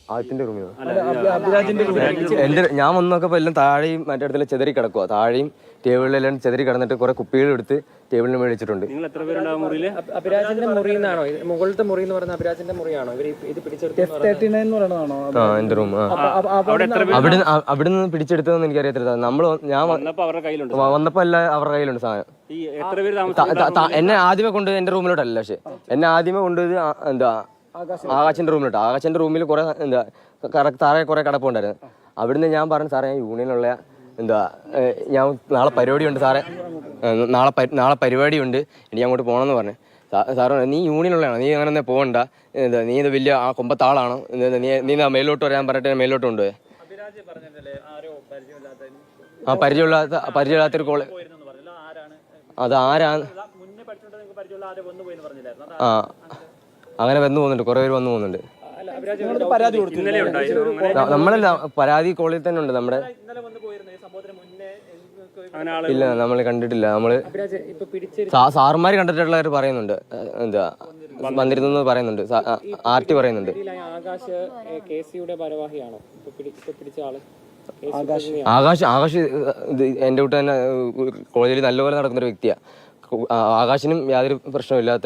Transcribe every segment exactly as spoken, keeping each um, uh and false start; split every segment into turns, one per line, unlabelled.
ആദ്യത്തിന്റെ റൂമിൽ എന്റെ ഞാൻ വന്ന് നോക്കപ്പോ എല്ലാം താഴെയും മറ്റേ അടുത്തെല്ലാം ചെതറി കിടക്കുക. താഴെയും ടേബിളിലെല്ലാം ചെതറി കിടന്നിട്ട് കുറെ കുപ്പികൾ എടുത്ത് ടേബിളിന് മേടിച്ചിട്ടുണ്ട്.
അഭിരാജിന്റെ മുറി എന്നാണോ മുകളിലത്തെ മുറി എന്ന് പറയുന്ന അഭിരാജിന്റെ മുറിയാണോ ഇത് പിടിച്ചെടുത്തത്?
ആ എന്റെ റൂം. അവിടെ അവിടുന്ന് പിടിച്ചെടുത്തതെന്ന് എനിക്കറിയത്തില്ല. നമ്മള് ഞാൻ വന്നപ്പോ അല്ല അവരുടെ കയ്യിലുണ്ട് സാധനം. എന്നെ ആദ്യമേ കൊണ്ട് എന്റെ റൂമിലോട്ടല്ല, പക്ഷെ എന്നെ ആദ്യമേ കൊണ്ടുപോയത് എന്താ ആകാശിന്റെ റൂമിലോട്ട്. ആകാശിന്റെ റൂമിൽ കുറെ എന്താ താഴെ കുറെ കിടപ്പുണ്ടായിരുന്നു. അവിടുന്ന് ഞാൻ പറഞ്ഞു, സാറേ ഞാൻ യൂണിയനുള്ള എന്താ ഞാൻ നാളെ പരിപാടി ഉണ്ട് സാറേ, നാളെ നാളെ പരിപാടി ഉണ്ട്, എനിക്ക് അങ്ങോട്ട് പോകണമെന്ന് പറഞ്ഞു. സാറ് നീ യൂണിയനുള്ളതാണോ, നീ അങ്ങനെ തന്നെ പോകണ്ട, എന്താ നീ ഇത് വലിയ ആ കൊമ്പത്താളാണോ, നീ നീ മേലോട്ട് വരാൻ പറഞ്ഞിട്ട് മേലോട്ട് കൊണ്ടുപോയി. ആ പരിചയമില്ലാത്ത പരിചയമില്ലാത്തൊരു കോളേജ് അത് ആരാണ്? ആ അങ്ങനെ വന്നു പോകുന്നുണ്ട്, കുറെ പേര് വന്നു പോകുന്നുണ്ട്. നമ്മളല്ല, പരാതി കോളേജിൽ തന്നെ ഉണ്ട് നമ്മുടെ. ഇല്ല നമ്മൾ കണ്ടിട്ടില്ല. നമ്മള് സാറുമാര് കണ്ടിട്ടുള്ളവർ പറയുന്നുണ്ട്, എന്താ വന്നിരുന്നു പറയുന്നുണ്ട്, ആർ ടി പറയുന്നുണ്ട്. ആകാശ് ആകാശ് എന്റെ കൂട്ട് തന്നെ കോളേജിൽ നല്ലപോലെ നടക്കുന്നൊരു വ്യക്തിയാ. ആകാശിനും യാതൊരു പ്രശ്നമില്ലാത്ത.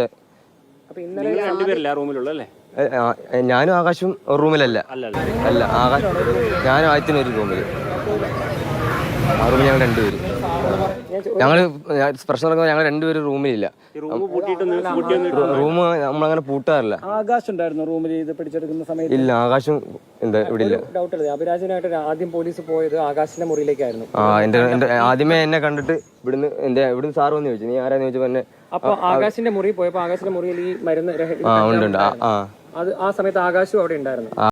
ഞാനും ആകാശും ഒരു റൂമിലല്ല. അല്ല, ആകാശ് ഞാനും ആദ്യത്തിന് ഒരു റൂമിൽ. ആ റൂമിൽ ഞങ്ങൾ രണ്ടുപേരും. ഞങ്ങള് പ്രശ്നം നടക്കുന്നത് ഞങ്ങൾ രണ്ടുപേരും റൂമിലില്ല. റൂം നമ്മളങ്ങനെ പൂട്ടാറില്ല.
ആകാശ് ഉണ്ടായിരുന്നു റൂമിൽ ഇത് പിടിച്ചെടുക്കുന്ന സമയത്ത്?
ഇല്ല, ആകാശം എന്താ ഇവിടെ ഇല്ല.
ഡൗട്ട് അല്ലേ, അഭിരാജനായിട്ട് ആദ്യം പോലീസ് പോയത് ആകാശിന്റെ മുറിയിലേക്കായിരുന്നു.
ആ എന്റെ എന്റെ ആദ്യമേ എന്നെ കണ്ടിട്ട് ഇവിടുന്ന് എന്റെ ഇവിടുന്ന് സാറ് വന്ന് ചോദിച്ചു, നീ ആരാന്ന് ചോദിച്ചപ്പോ എന്നെ.
അപ്പൊ ആകാശിന്റെ മുറി പോയപ്പോ ആകാശിന്റെ മുറിയിൽ ഈ മരുന്ന്
ആ ഉണ്ട് ഉണ്ട്. ആ
അത് ആ സമയത്ത് ആകാശും അവിടെ ഉണ്ടായിരുന്നു.